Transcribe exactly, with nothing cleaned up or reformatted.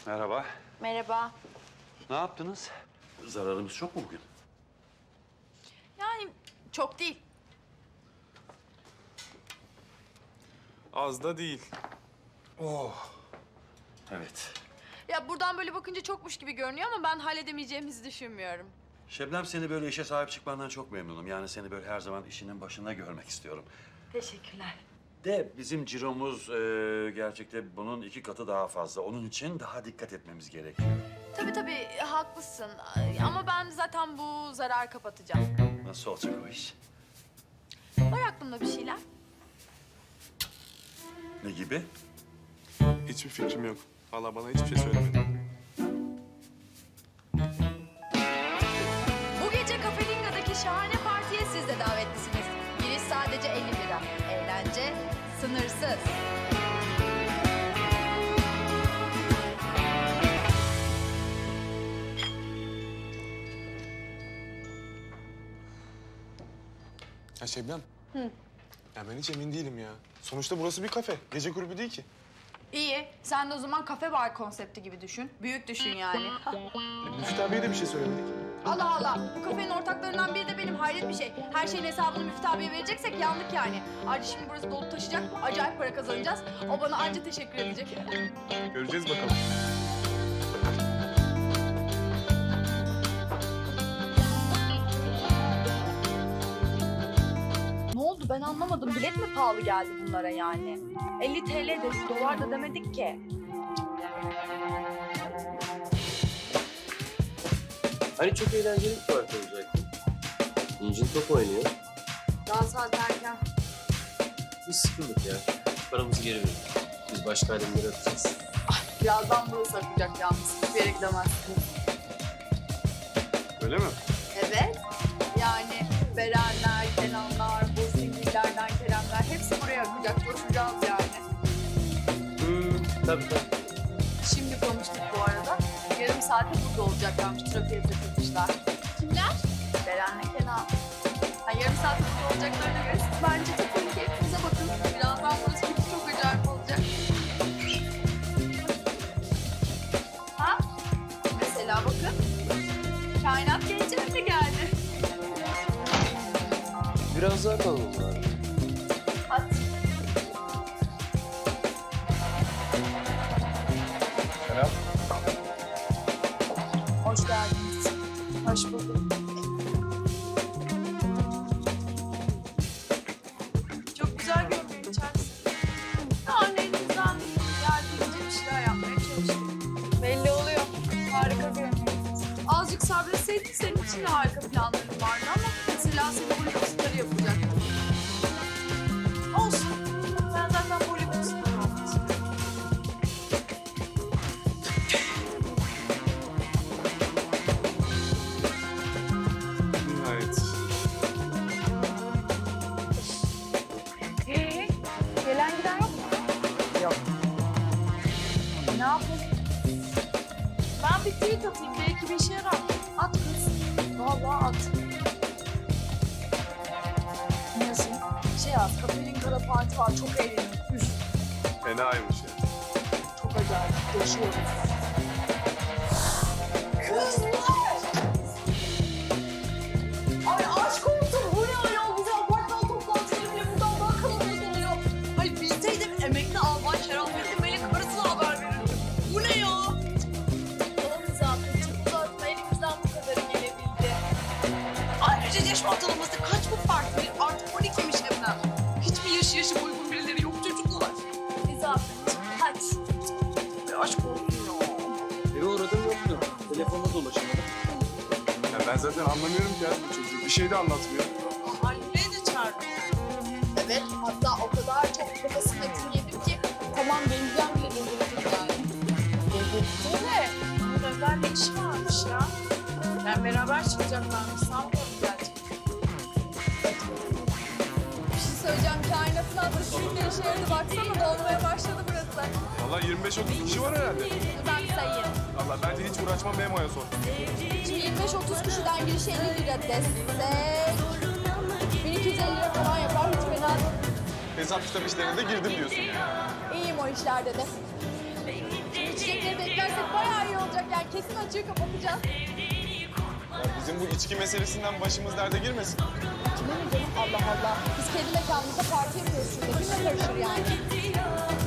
Merhaba. Merhaba. Ne yaptınız? Zararımız çok mu bugün? Yani çok değil. Az da değil. Evet. Ya buradan böyle bakınca çokmuş gibi görünüyor ama ben halledemeyeceğimizi düşünmüyorum. Şebnem, seni böyle işe sahip çıkmandan çok memnunum. Yani seni böyle her zaman işinin başında görmek istiyorum. Teşekkürler. De bizim ciromuz e, gerçekten bunun iki katı daha fazla. Onun için daha dikkat etmemiz gerekiyor. Tabii tabii haklısın. Ay, ama ben zaten bu zararı kapatacağım. Nasıl olacak o iş? Var aklımda bir şeyler. Ne gibi? Hiçbir fikrim yok. Hala bana hiçbir şey söylemedi. Bu gece Cafe Linga'daki şahane partiye siz de davetlisiniz. Giriş sadece elli lira. Eğlence sınırsız. Ya Şebnem. Hı. Ya ben hiç emin değilim ya. Sonuçta burası bir kafe. Gece kulübü değil ki. İyi. Sen de o zaman kafe bar konsepti gibi düşün. Büyük düşün yani. E, Müftü abiye de bir şey söylemedik. Allah Allah. Bu kafenin ortaklarından biri de benim. Hayret bir şey. Her şeyin hesabını Müftü abiye vereceksek yandık yani. Ayrıca şimdi burası dolup taşıyacak. Acayip para kazanacağız. O bana anca teşekkür edecek. Göreceğiz bakalım. Ne oldu ben anlamadım. Bilet mi pahalı geldi bunlara yani? elli TL dedik, dolar da demedik ki. Hani çok eğlenceli bir parti olacaktı. İncin top oynuyor. Daha saat erken. Biz sıkıldık ya. Paramızı geri verin. Biz başka alemlere atacağız. Birazdan burası akacak yalnız. Hiçbir yere gidemezsiniz. Öyle mi? Evet. Yani Berenler, Kenanlar, Bozingillerden Keremler hepsi buraya akacak. Coşacağız yani. Hmm, tabii tabii. Şimdi konuştuk bu arada. Yarım saate burada olacaklarmış. Trafiğe takılmışlar. Kimler? Beren'le Kenan. Ha, yarım saate burada olacaklarına göre siz bence takılın keyfinize bakın. Birazdan burası gibi çok acayip olacak. Ha? Mesela bakın. Kainat gençler de geldi. Biraz daha kalalım bari. Hadi. Selam. Hoş geldiniz. Hoş bulduk. Çok güzel görünüyor içerisi. Yani elimizden geldiğince bir şeyler yapmaya çalıştık. Belli oluyor. Harika görünüyor. Azıcık sabretseydin senin için de harika planların vardı ama mesela seni Hollywood starı yapacaktım. Olsun. Ben zaten Hollywood starı olmak istiyorum. Nihayet. Ee, gelen giden yok mu? Yok. Ne yapayım? Ben bir tweet atayım. Belki bir işe yarar. At kız. Vallahi at. Ne yazayım? Şey yaz. Kafenin kara parti var. Çok eğleniyor. Üf. Fenaymış ya. Çok acayip. Coşuyoruz. Kızlar! Ay aşk olsun. Bu ne ayol? Bize apartman toplantıları bile buradan daha kalabalık oluyor. Ay bilseydim emekli albay Şerafettin Bey'le karısına haber verirdim. Bu ne ya? Tamam Zafer'cim uzatma elimizden bu kadarı gelebildi. Ayrıca yaş ortalaması kaç bu partinin? Artık on ikiymiş Emrah. Hiç mi yaşı yaşı uygun birileri yok çocuklar? Zafer'cim hadi. Ay, aşk olsun ya. Eve uğradım yoktu. Telefonla dolaşamadım. Ya ben zaten anlamıyorum ki ya bu çocuğu. Bir şey de anlatmıyor. Anneyi de çağırdım. Evet, hatta o kadar çok kafasına kim yedim ki tamam geleceğim bile dedirttim yani. Dedirtti de bunun özel işi varmış ya. Ben beraber çıkacaklarmış sanmıyorum gerçekten. Bir şey söyleyeceğim, kainatın adresi şimdi işe yaradı. Baksana dolmaya başladı burası. Vallahi yirmi beş otuz kişi var herhalde. Ben sayayım. Vallahi bence hiç uğraşmam Memo'ya sor. Şimdi yirmi beş otuz kişiden girişe elli lira destek. bin iki yüz elli lira falan yapar, hiç fena değil. Hesap kitap işlerine de girdim diyorsun yani. İyiyim o işlerde de. içecekleri beklersek bayağı iyi olacak yani. Kesin açığı kapatacağız. Ya bizim bu içki meselesinden başımız derde girmesin. Kime ne canım? Allah Allah. Biz kendi mekanımızda parti yapıyoruz şurada. Kimle karışır yani?